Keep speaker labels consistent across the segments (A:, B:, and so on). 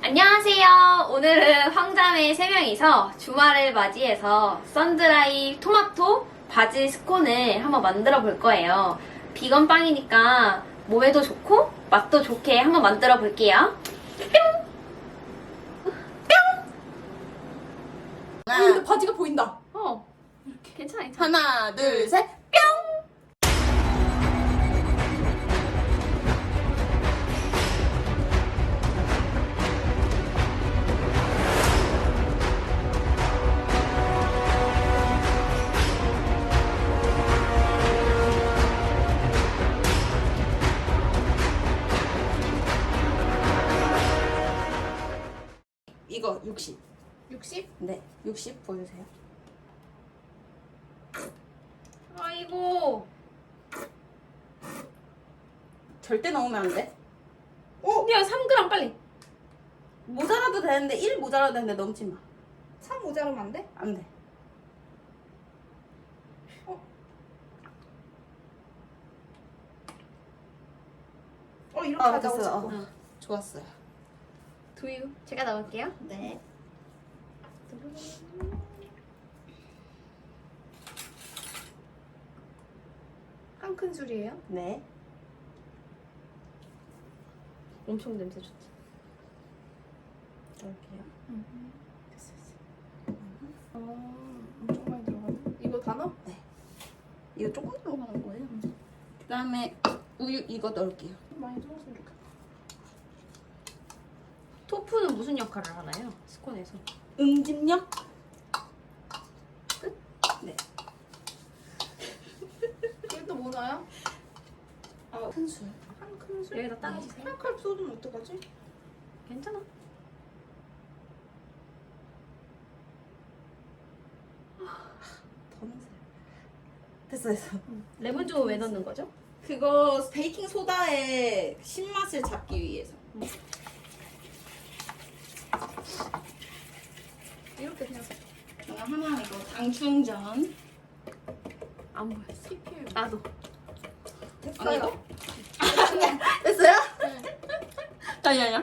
A: 안녕하세요. 오늘은 황자매 3명이서 주말을 맞이해서 썬드라이 토마토 바질 스콘을 한번 만들어 볼 거예요. 비건 빵이니까 몸에도 좋고 맛도 좋게 한번 만들어 볼게요. 뿅!
B: 근데 바지가 보인다.
A: 이렇게. 괜찮아.
B: 하나, 둘, 셋. 이거 60.
A: 60?
B: 네, 60 보여주세요.
A: 아이고.
B: 절대 넣으면 안 돼.
A: 야, 3g 빨리.
B: 모자라도 되는데 1 모자라도 되는데 넘지 마.
C: 3 모자르면 안 돼?
B: 안 돼.
C: 이렇게 하자고
B: 됐어요.
C: 자꾸.
B: 좋았어요.
A: 두유. 제가 넣을게요.
B: 네.
C: 한 큰술이에요?
B: 네.
A: 엄청 냄새 좋지.
B: 넣을게요.
C: 됐어. 엄청 많이 들어가네. 이거 다 넣어?
B: 이거 조금 들어가는 거예요. 그 다음에 우유 이거 넣을게요.
C: 많이 들어갔으면 좋겠다.
A: 토프는 무슨 역할을 하나요? 스콘에서.
B: 응집력?
A: 끝?
B: 네.
C: 이게 또 뭐 넣어요?
B: 큰술.
C: 한 큰술?
A: 여기다 따라주세요.
C: 한 칼 쏟으면 어떡하지?
A: 괜찮아.
B: 더 넣으세요. 됐어.
A: 레몬즙은 왜 넣는 거죠?
B: 그거 베이킹 소다의 신맛을 잡기 위해서.
A: 이렇게 그냥
B: 제가 하나 이거 당충전.
A: 안 보였어.
C: PPL.
A: 나도.
B: 됐어요. 됐어요? 아니.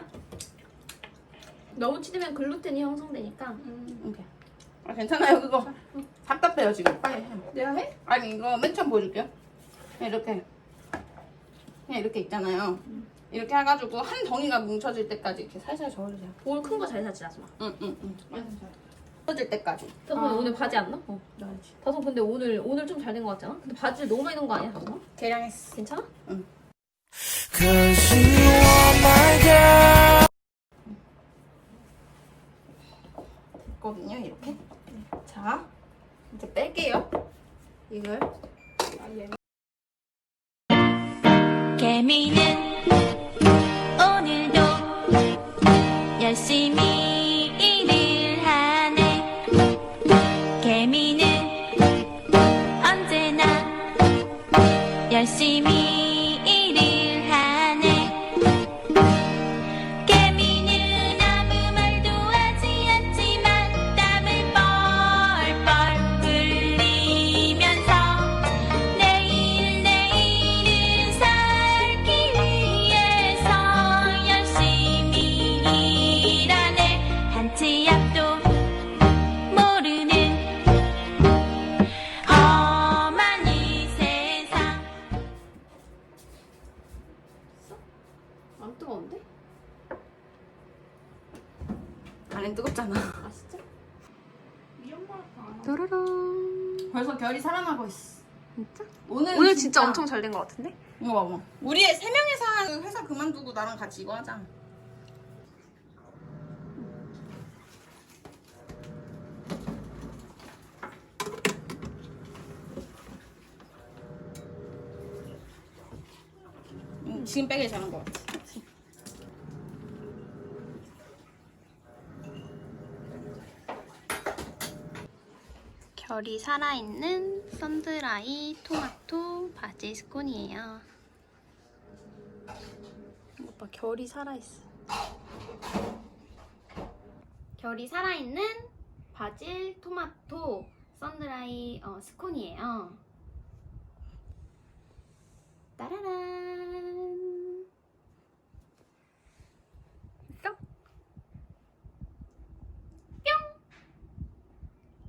A: 너무 치대면 글루텐이 형성되니까.
B: 오케이. 괜찮아요 그거. 답답해요 지금. 빨리 해.
C: 내가 해?
B: 아니 이거 맨 처음 보여줄게요. 그냥 이렇게 있잖아요. 이렇게 해가지고 한 덩이가 뭉쳐질 때까지 이렇게 살살 저어주세요.
A: 볼 큰 거 잘 사지 하지마.
B: 응. 뭉쳐질 때까지.
A: 다솜 오늘 바지 안 넣어? 넣어야지. 다솜 근데 오늘 좀 잘 된 거 같잖아? 근데 바지를 너무 많이 넣은 거 아니야 다솜아?
B: 계량했어.
A: 괜찮아?
D: Cause you are my girl.
B: 됐거든요 이렇게. 자 이제 뺄게요. 이걸.
E: 개미는 오늘도 열심히 일을 하네. 개미는 언제나 열심히 일을 하네. 개미는 아무 말도 하지 않지만 땀을 뻘뻘 흘리면서 내일을 살기 위해서 열심히 일하네. 한치 앞도 모르는 험한 이 세상.
A: 안 뜨거운데?
B: 안에 뜨겁잖아.
A: 아 진짜?
C: 위험하다.
A: 따라란.
B: 벌써 결이 살아나고 있어.
A: 진짜?
B: 오늘
A: 오늘 진짜 엄청 잘 된 거 같은데?
B: 이거 봐봐. 우리 세 명이서 한 회사 그만두고 나랑 같이 이거 하자. 지금 빼길 잘한 것 같아.
A: 결이 살아있는 썬드라이 토마토 바질 스콘이에요. 오빠 결이 살아있어. 결이 살아있는 바질 토마토 썬드라이 스콘이에요. 따라란.